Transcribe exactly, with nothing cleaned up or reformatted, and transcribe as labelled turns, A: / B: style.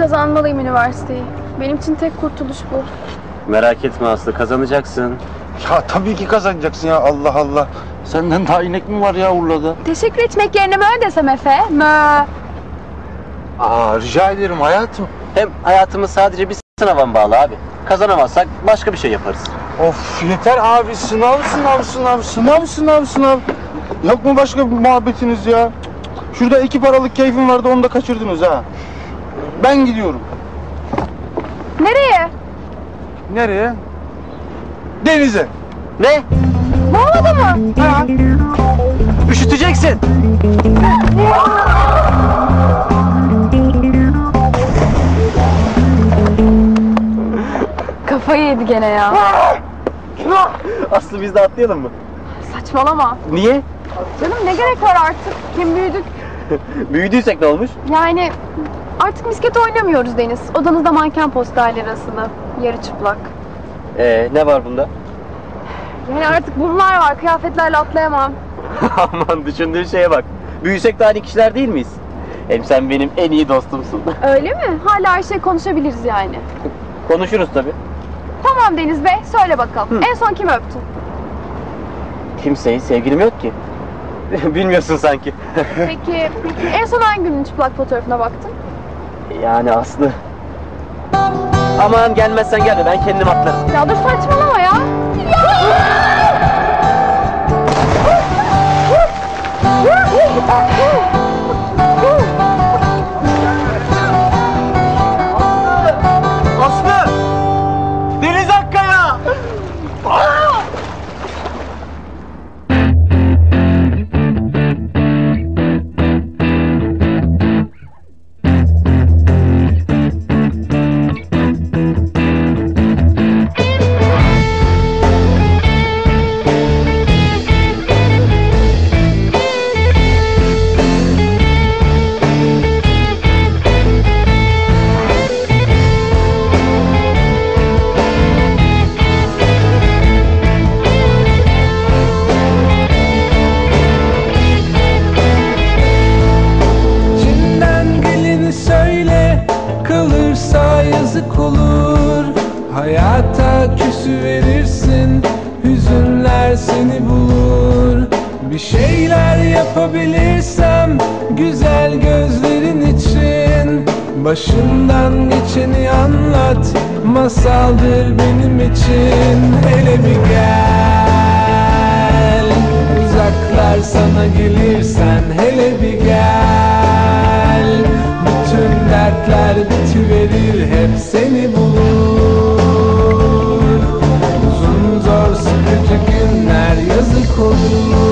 A: kazanmalıyım üniversiteyi. Benim için tek kurtuluş bu.
B: Merak etme Aslı, kazanacaksın.
C: Ya tabii ki kazanacaksın ya, Allah Allah. Senden daha inek mi var ya Urla'da?
A: Teşekkür etmek yerine mö desem Efe. Mö.
C: Aa, rica ederim hayatım.
B: Hem hayatımız sadece bir sınava bağlı abi. Kazanamazsak başka bir şey yaparız.
C: Of yeter abi, sınav sınav sınav sınav sınav sınav. Yok mu başka bir muhabbetiniz ya? Şurada iki paralık keyfim vardı, onu da kaçırdınız ha. Ben gidiyorum.
A: Nereye?
C: Nereye? Denize.
B: Ne?
A: Boğmadı mı?
C: Ha?
B: Üşüteceksin.
A: Kafayı yedi gene ya.
B: Aslı biz de atlayalım mı?
A: Saçmalama.
B: Niye?
A: Canım ne gerek var artık? Kim büyüdük?
B: Büyüdüysek ne olmuş?
A: Yani artık misket oynamıyoruz Deniz. Odanızda manken posterleri asılı. Yarı çıplak.
B: Ee, ne var bunda?
A: Yani artık bunlar var. Kıyafetlerle atlayamam.
B: Aman düşündüğün şeye bak. Büyüsek de aynı kişiler değil miyiz? Hem sen benim en iyi dostumsun.
A: Öyle mi? Hala her şey konuşabiliriz yani.
B: Konuşuruz tabii.
A: Tamam Deniz Bey, söyle bakalım.
B: Hı.
A: En son kimi öptün?
B: Kimseyi, sevgilim yok ki. Bilmiyorsun sanki.
A: Peki, peki en son hangi günün çıplak fotoğrafına baktın?
B: Yani Aslı. Aman gelmezsen gelme, ben kendim atlarım.
A: Ya dur saçmalama ya.
B: Aslı! Deniz Akkaya!
D: yazık olur. Hayata küsü verirsin, hüzünler seni bulur. Bir şeyler yapabilirsem güzel gözlerin için, başından geçeni anlat, masaldır benim için. Hele bir gel, uzaklar sana gelirsen hele bir gel. Bütün dertler bitiverir, hep seni bulur. Uzun zor sıkıcı günler yazık olur.